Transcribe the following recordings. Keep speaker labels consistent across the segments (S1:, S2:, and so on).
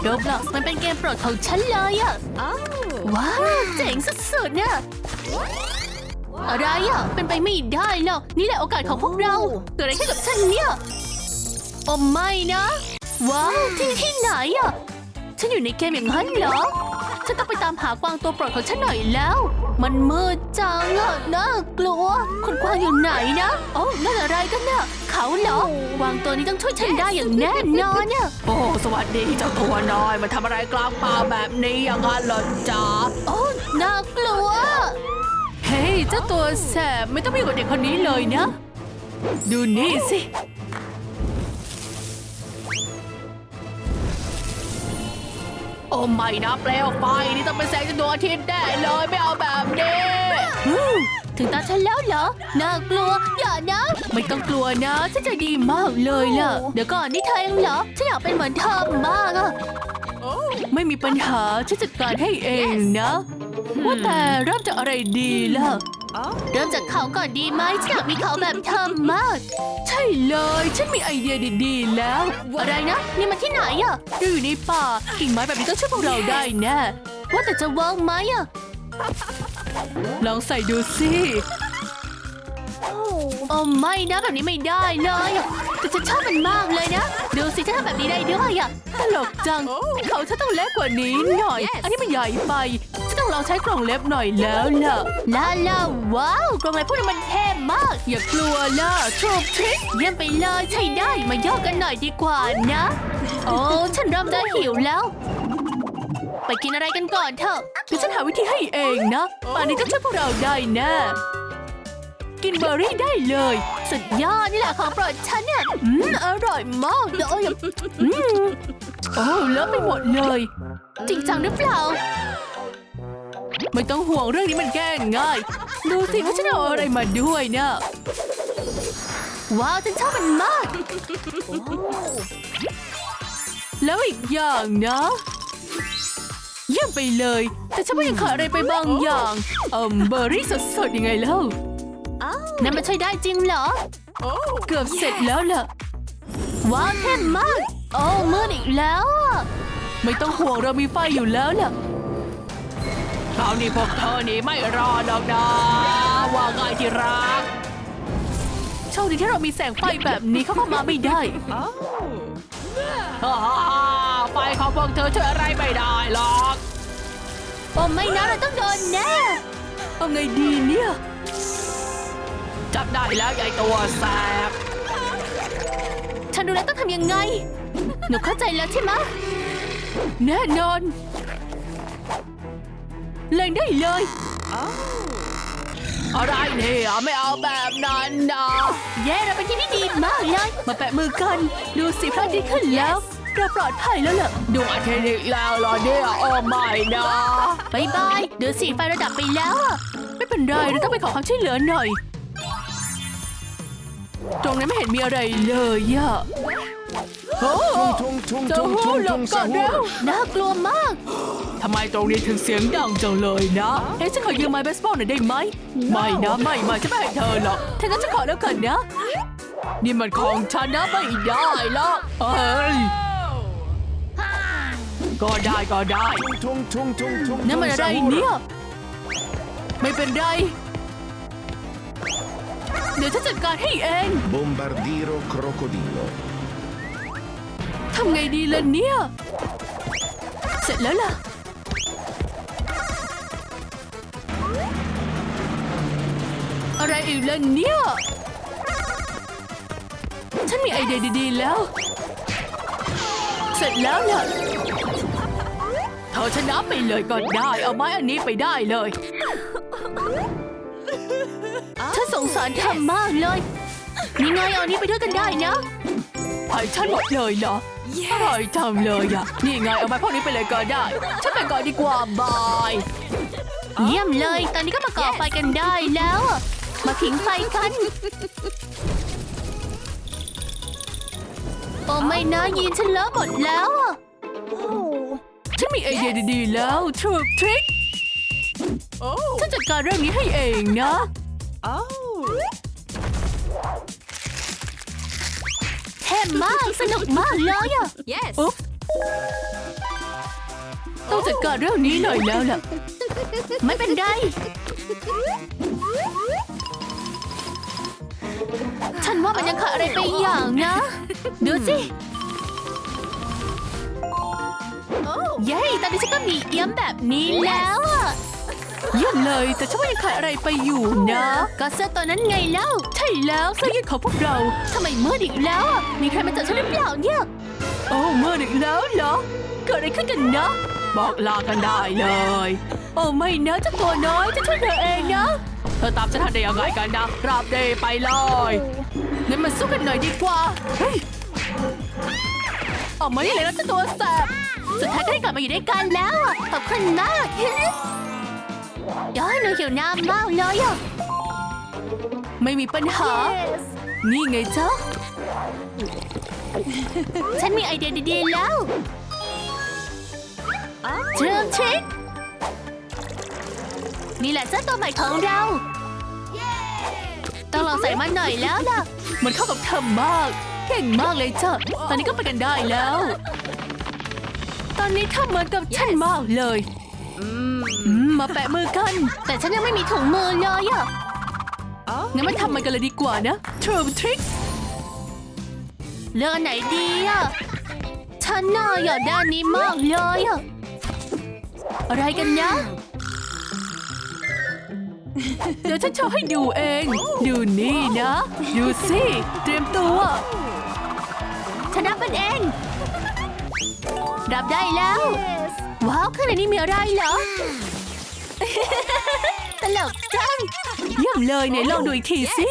S1: Roblox มันเป็นเกมโปรดของฉันเลยอะว้าวเจ๋งสุดๆเนี่ยอะไรอะเป็นไปไม่ได้หรอกนี่แหละโอกาสของพวกเราเกิดอะไรขึ้นกับฉันเนี่ยโอ้ไม่นะว้าวที่ไหนอะฉันอยู่ในเกมอย่างนั้นเหรอฉันต้องไปตามหากวางตัวโปรดของฉันหน่อยแล้วมันมืดจังอะน่ากลัวคุณกวางอยู่ไหนนะโอ้นั่นอะไรกันเนี่ยเขาเหรอกวางตัวนี้ต้องช่วยฉันได้อย่างแน่นอนเนี่ย
S2: โอ้สวัสดีเจ้าตัวน้อยมาทำอะไรกลางป่าแบบนี้อย่างนั้นเหรอจ๊ะ
S1: โอ้น่ากลัว
S2: เฮ้ยเจ้าตัวแสบไม่ต้องไปอยู่กับเด็กคนนี้เลยนะดูนี่สิโอ้ไม่นะเปลวไฟนี่ต้องเป็นแสงจากดวงอาทิตย์แน่เลยไม่เอาแบบนี้
S1: ถึงตาฉันแล้วเหรอน่ากลัวอย่านะไม่ต้องกลัวนะฉันใจดีมากเลยล่ะเดี๋ยวก่อนนี่เธอเองเหรอฉันอยากเป็นเหมือนเธอมากอะ
S2: ไม่มีปัญหาฉันจัดการให้เองนะว่าแต่เริ่มจากอะไรดีล่ะ
S1: เริ่มจากเขาก่อนดีไหมฉันอยากมีเขาแบบเธอมาก
S2: ใช่เลยฉันมีไอเดียดีๆแล้ว
S1: อะไรนะนี่มันที่ไหนอะ
S2: เราอยู่ในป่ากิ่งไม้แบบนี้ต้องช่วยพวกเราได้แน่
S1: ว่าแต่จะเวิร์กไหมอะ
S2: ลองใส่ดูสิ
S1: โอ้ไม่นะแบบนี้ไม่ได้เลยอะแต่ฉันชอบมันมากเลยนะดูสิฉันทำแบบนี้ได้ด้วยอะ
S2: ตลกจังเขาฉันต้องเล็กกว่านี้หน่อย อันนี้มันใหญ่ไปฉันต้องลองใช้กล่องเล็บหน่อยแล้วล่ะ
S1: ลาลาว้าวกรงอะไรพวกนี้มันเท่มาก
S2: อย่ากลัวล่ะโชว์ทริค
S1: เยี่ยมไปเลยใช่ได้มาย่อกันหน่อยดีกว่านะ โอ้ฉันเริ่มจะหิวแล้ว ไปกินอะไรกันก่อนเถอะ
S2: เดี๋ยวฉันหาวิธีให้เองนะป่านนี้ต้องช่วยพวกเราได้แน่กินเบอร์รี่ได้เลย
S1: สุดยอดนี่แหละของโปรดฉันเนี่ยอร่อยมากเลยม
S2: โอ้เลอะไปหมดเลย
S1: จริงจังหรือเปล่า
S2: ไม่ต้องห่วงเรื่องนี้มันแก้ง่าย ดูสิว่าฉันเอาอะไรมาด้วยนะ
S1: ว้าวฉันชอบมันมาก
S2: แล้วอีกอย่างนะเยี่ยมไปเลย แต่ฉันว่ายังขาดอะไรไปบางอย่างเบอร์รี่สดๆยังไงเล่า
S1: นั่นมันช่วยได้จริงเหรอ
S2: เกือบเสร็จแล้วล่ะ
S1: ว้าวเท่มาก โอ้มืดอีกแล้วอะ
S2: ไม่ต้องห่วงเรามีไฟอยู่แล้วล่ะคราวนี้พวกเธอนี่ไม่รอดหรอกนะว่าไงที่รักโชคดีที่เรามีแสงไฟแบบนี้เข้ามาไม่ได้ฮ่าไฟของพวกเธอช่วยอะไรไม่ได้หรอก
S1: โอ้ไม่นะเราต้องโดนแน่
S2: เอาไงดีเนี่ยจับได้แล้วยายตัวแสบ
S1: ฉันดูแล้วต้องทำยังไง หนูเข้าใจแล้วใช่ไหม
S2: แน่นอนเล่นได้เลยอะไรเนี่ยไม่เอาแบบนั้นนะ
S1: เย้เราเป็นที่ที่ดีมากเลย
S2: มาแปะมือกันดูสิพระอาทิตย์ขึ้นแล้วเราปลอดภัยแล้วล่ะดวงอาทิตย์อีกแล้วเหรอเนี่ยโอ้ไม่นะ
S1: บายบายดูสิไฟระดับไปแล้วอะ
S2: ไม่เป็นไรเราต้องไปขอความช่วยเหลือหน่อยตรงนั้นไม่เห็นมีอะไรเลยอะโอ้เจ้าหูหลบก่อนเร็ว
S1: น่ากลัวมาก
S2: ทำไมตรงนี้ถึงเสียงดังจังเลยนะเฮ้ยฉันขอยืมไม้เบสบอลหน่อยได้ไหมไม่นะไม่ฉันไม่ให้เธอหรอกถ้างั้นฉันขอแล้วกันนะนี่มันของฉันนะไม่ได้หรอกเอ้ยก็ได้นั่นมันอะไรเนี่ยไม่เป็นไรเดี๋ยวฉันจัดการให้เอง
S3: Bombardiro crocodilo.
S2: ทำไงดีล่ะเนี่ยเสร็จแล้วล่ะอะไรอีกล่ะเนี่ยฉันมีไอเดียดีๆแล้วเสร็จแล้วล่ะเธอชนะไปเลยก็ได้เอาไม้อันนี้ไปได้เลย
S1: ฉันสงสารเธอมากเลย นี่ไงเอาอันนี้ไปด้วยกันได้นะ
S2: ให้ฉันหมดเลยเหรออร่อยจังเลยอ่ะนี่ไงเอาไม้พวกนี้ไปเลยก็ได้ฉันไปก่อนดีกว่าบาย
S1: เยี่ยมเลย ตอนนี้ก็มาก่อไฟกันได้แล้วอะมาผิงไฟกัน โอ้ไม่นะยีนฉันเลอะหมดแล้วอะ
S2: ฉันมีไอเดียดีๆแล้วทริคฉันจัดการเรื่องนี้ให้เองนะ
S1: เท่มากสนุกมากเลยอะ
S2: อุ๊บจัดการเรื่องนี้หน่อยแล้วล่ะ
S1: ไม่เป็นไร ฉันว่ามันยังขาดอะไรไปอย่างนะ ดูสิ เย้ตอนนี้ฉันก็มีเอี้ยมแบบนี้แล้วอะ
S2: เยี่ยมเลยแต่ฉันว่ายังขาดอะไรไปอยู่นะ
S1: ก็เสื้อตัวนั้นไงเล่า
S2: ใช่แล้วเสื้อยืดของพวกเรา
S1: ทำไมมืดอีกแล้วอะมีใครมาจับฉันหรือเปล่าเนี่ย
S2: โอ้เมื่ออีกแล้วเหรอเกิดอะไรขึ้นกันนะ บอกลากันได้เลย โอ้ไม่นะเจ้าตัวน้อยจะช่วยเธอเองนะเธอตามฉันทันได้ยังไงกันนะกราบเดไปเลยงั้นมาสู้กันหน่อยดีกว่าเฮ้ยออกมาได้เลยนะเจ้าตัวแสบ
S1: สุดท้ายก็ได้กลับมาอยู่ด้วยกันแล้วอะขอบคุณมากย้อยหนูหิวน้ำมากเลยอะ
S2: ไม่มีปัญหา นี่ไงจ๊ะ
S1: ฉันมีไอเดียดีๆแล้วเชิงชิคนี่แหละเสื้อตัวใหม่ของเราต้องลองใส่มันหน่อยแล้วล่ะ
S2: มันเข้ากับเธอมาก เก่งมากเลยจ้ะตอนนี้ก็ไปกันได้แล้ว ตอนนี้เธอเหมือนกับฉันมากเลยมาแปะมือกัน
S1: แต่ฉันยังไม่มีถุงมือเลยอะ
S2: งั้นมาทำมันกันเลยดีกว่านะ True Trick
S1: เลือกอันไหนดีอะฉันน่ะอยากได้อันนี้มากเลยอะอะไรกันนะ
S2: เดี๋ยวฉันโชว์ให้ดูเอง ดูนี่นะ ดูสิ เตรียมตัว
S1: ฉันรับมันเองรับได้แล้ว ว้าวข้างในนี้มีอะไรเหรอ ตลกจัง
S2: เยี่ยมเลยไหนลองดูอีกทีสิ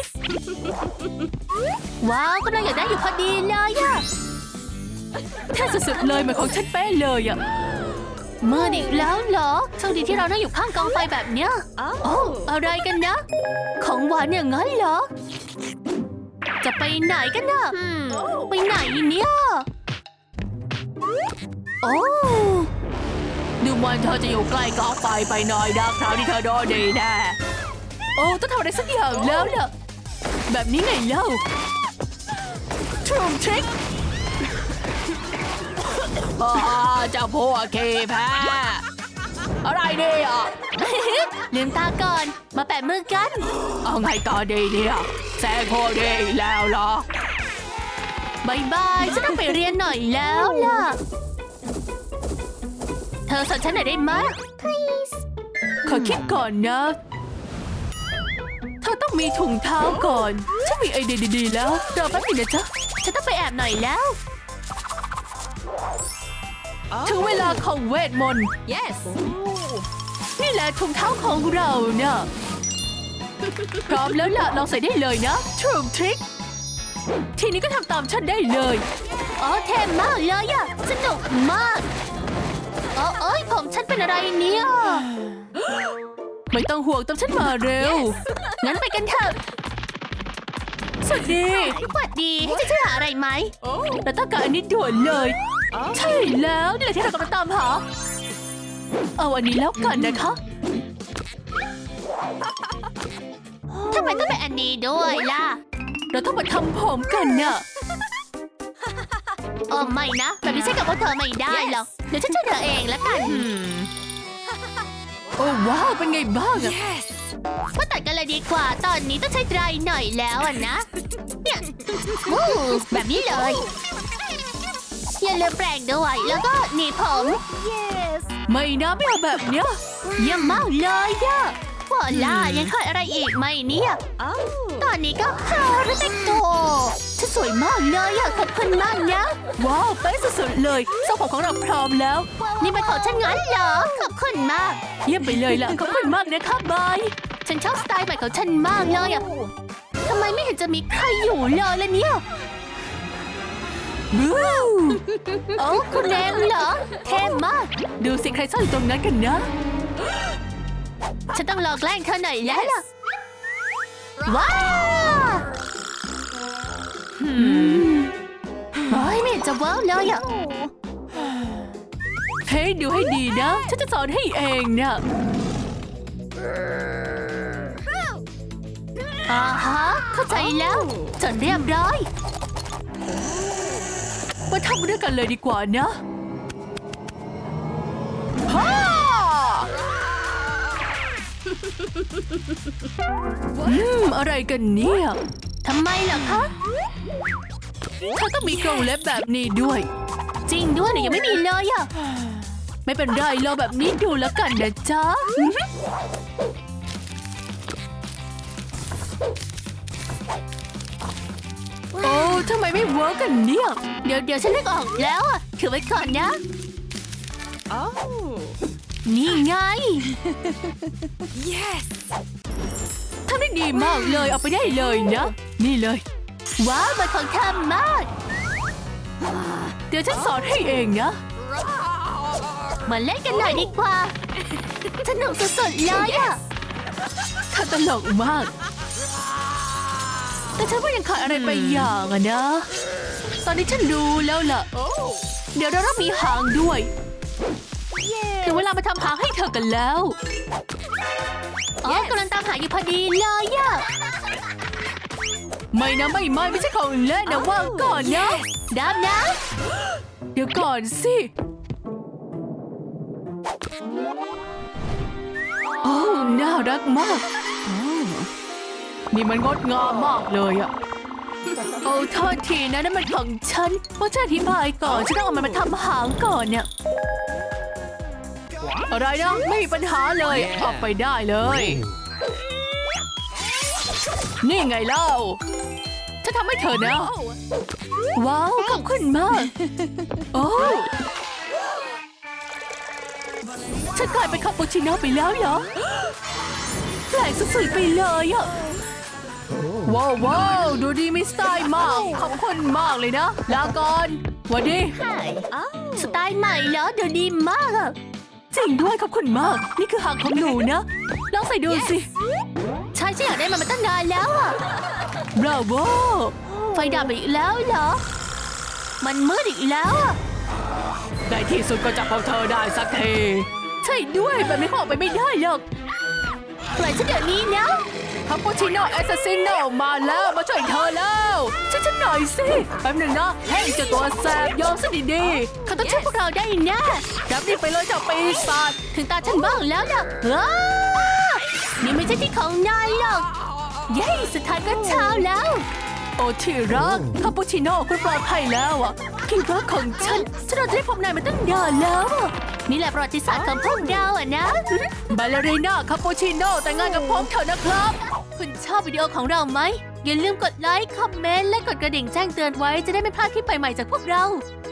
S1: ว้าวกำลังอยากได้อยู่พอดีเลยอะ
S2: แค่สุดๆเลยเหมือนของฉันเป๊ะเลยอ่ะ
S1: มืดอีกแล้วเหรอโชคดีที่เรานั่งอยู่ข้างกองไฟแบบเนี้ยโอ้อะไรกันนะ ของหวานอย่างนั้นเหรอ จะไปไหนกันนะไปไหนเนี่ยโอ้
S2: ดูเหมันเธอจะอยู่ใกล้กองไฟไปหน่อยนะคราวนี้เธอโดนดีแน่โอ้ต้องทำอะไรสักอย่างแล้วล่ะ แบบนี้ไงเล่า True Trick เจ้าพวกเคแพ้อะไรเนี่ย
S1: ลืมตาก่อน มาแปะมือกัน
S2: เอาไงต่อดีเนี่ยแซงโคตรดีแล้วเหรอบ
S1: ายบายฉันต้องไปเรียนหน่อยแล้วล่ะ เธอสอนฉันหน่อยได้ไหม please
S2: ขอคิดก่อนนะเธอต้องมีถุงเท้าก่อนฉันมีไอเดียดีๆแล้วรอแป๊บนึงนะจ๊ะ
S1: ฉันต้องไปแอบหน่อยแล้ว
S2: ถึงเวลาของเวทมนต์
S1: yes
S2: นี่แหละถุงเท้าของเรานะ พร้อมแล้วล่ะลองใส่ได้เลยนะ True Trick ทีนี้ก็ทำตามฉันได้เลย
S1: อ๋อเท่มากเลยอะสนุกมากเอ้ยผมฉันเป็นอะไรเนี่ย
S2: ไม่ต้องห่วงตามฉันมาเร็ว
S1: งั้นไปกันเถอะ
S2: สวัสดี
S1: สวัสดีให้ฉันช่วยหาอะไรไหม
S2: เราต้องการอันนี้ด่วนเลย ใช่แล้วนี่แหละที่เรากำลังตามหา เอาอันนี้แล้วกันนะคะ
S1: ทำไมต้องเป็นอันนี้ด้วยล่ะ
S2: เราต้องมาทำผมกันน่ะ
S1: ไม่นะ แบบนี้ใช้กับพวกเธอไม่ได้หรอก เดี๋ยวฉันช่วยเธอเองแล้วกัน
S2: โอ้ว้าวเป็นไงบ้างอะ
S1: มาตัดกันเลยดีกว่า ตอนนี้ต้องใช้ไดรหน่อยแล้วอะนะ เนี่ยวู้แบบนี้เลย อย่าลืมแปรงด้วย แล้วก็หนีบผม
S2: ไม่นะไม่เอาแบบเนี้ย
S1: เยี่ยมมากเลยอะวอล่ายังขาดอะไรอีกไหมเนี่ยตอนนี้ก็ฮารุเตโกฉันสวยมากเลยอะขอบคุณมากนะ
S2: ว้าวเป๊ะสุดๆเลยทรงผมของเราพร้อมแล้ว
S1: นี่เป็นของฉันงั้นเหรอ ขอบคุณมาก
S2: เยี่ยมไปเลยล่ะขอบคุณมากนะคะบาย
S1: ฉันชอบสไตล์ใหม่ของฉันมากเลยอะทำไมไม่เห็นจะมีใครอยู่เลยล่ะเนี่ย
S2: บู๊
S1: โอ้คุณเองเหรอเท่มาก
S2: ดูสิใครซ่อนอยู่ตรงนั้นกันนะ
S1: ฉันต้องลองแกล้งเธอหน่อยแล้วล่ะ ว้าวเฮ้ยไม่เห็นจะเวิร์กเลยอะ
S2: เฮ้ยดูให้ดีนะ ฉันจะสอนให้เองนะ
S1: ฮะเข้าใจแล้วจนเรียบร้อย
S2: มาทำด้วยกันเลยดีกว่านะ
S1: เฮ้
S2: อะไรกันเนี่ย
S1: ทำไมล่ะคะ
S2: เขาต้องมีกรงเล็บแบบนี้ด้วย
S1: จริงด้วยหนูยังไม่มีเลยอะ
S2: ไม่เป็นไรเราแบบนี้ดูแล้วกันนะจ๊ะ โอ้ทำไมไม่เวิร์กกันเนี่ย
S1: เดี๋ยวฉันนึกออกแล้วอะถือไว้ก่อนนะ นี่ไง
S2: ทำได้ดีมากเลยเอาไปได้เลยนะ นี่เลย
S1: ว้าวมันของเธอมาก
S2: เดี๋ยวฉันสอนให้เองนะ
S1: มาเล่นกันหน่อยดีกว่า สนุกสุดๆเลยอะ
S2: ถ้าตลกมาก แต่ฉันว่ายังขาดอะไรไปอย่างอะนะ ตอนนี้ฉันรู้แล้วล่ะ เดี๋ยวเราต้องมีหางด้วย ถึงเวลามาทำหางให้เธอกันแล้ว
S1: อ๋อกำลังตามหาอยู่พอดีเลยอะ
S2: ไม่นะไม่ใช่ของเล่นนะว่างก่อนนะ
S1: ดับนะ
S2: เดี๋ยวก่อนสิ โอ้น่ารักมาก นี่มันงดงามมากเลยอะโอ้โทษทีนะนั่นมันของฉันเพราะฉันอธิบายก่อนฉันต้องเอามันมาทำหางก่อนเนี่ย อะไรนะไม่มีปัญหาเลยออกไปได้เลย นี่ไงเล่าฉันทำให้เธอนะ ว้าวขอบคุณมาก โอ้ฉันกลายเป็นคาปูชิโน่ไปแล้วเหรอแปลกสุดๆไปเลยอะว้าวดูดีมีสไตล์มากขอบคุณมากเลยนะลาก่อนหวัสดี
S1: สไตล์ใหม่แล้วเดี๋ยวดีมากอะ
S2: จริงด้วยขอบคุณมาก นี่คือหางของหนูนะลองใส่ดูสิ
S1: ใช่ฉันอยากได้มันมาตั้งนานแล้วอะ
S2: บราโว
S1: ไฟดับอีกแล้วเหรอ มันมืดอีกแล้วอะ
S2: ในที่สุดก็จับของเธอได้สักทีใช่ด้วยแบบนี้เขาออกไปไม่ได้หรอก
S1: ปล่อยฉันเดี๋ยวนี้นะ
S2: คาปูชิโน่แอสซัสซิโน่มาแล้วมาช่วยเธอแล้วช่วยฉันหน่อยสิแป๊บหนึ่งนะเฮ้ยเจ้าตัวแสบยอมซะดี
S1: เขาต้องช่วยพวกเราได้แน่
S2: ๆรับนี่ไปเลยเจ้าปีศาจ
S1: ถึงตาฉันบ้างแล้วนะว้านี่ไม่ใช่ที่ของนายหรอก เย้สุดท้ายก็เช้าแล้ว
S2: โอ้ที่รักคาปูชิโน่คุณปลอดภัยแล้วอ่ะที่รักของฉันเราจะได้พบนายมาตั้งนานแล้วอะ
S1: นี่แหละประวัติศาสตร์ของพวกเราอะนะ
S2: บาลเลรีน่าคาปูชิโน่แต่งงานกับผมเถอะนะครับ
S1: คุณชอบวิดีโอของเราไหม อย่าลืมกดไลค์ คอมเมนต์ และกดกระดิ่งแจ้งเตือนไว้จะได้ไม่พลาดคลิปใหม่ๆจากพวกเรา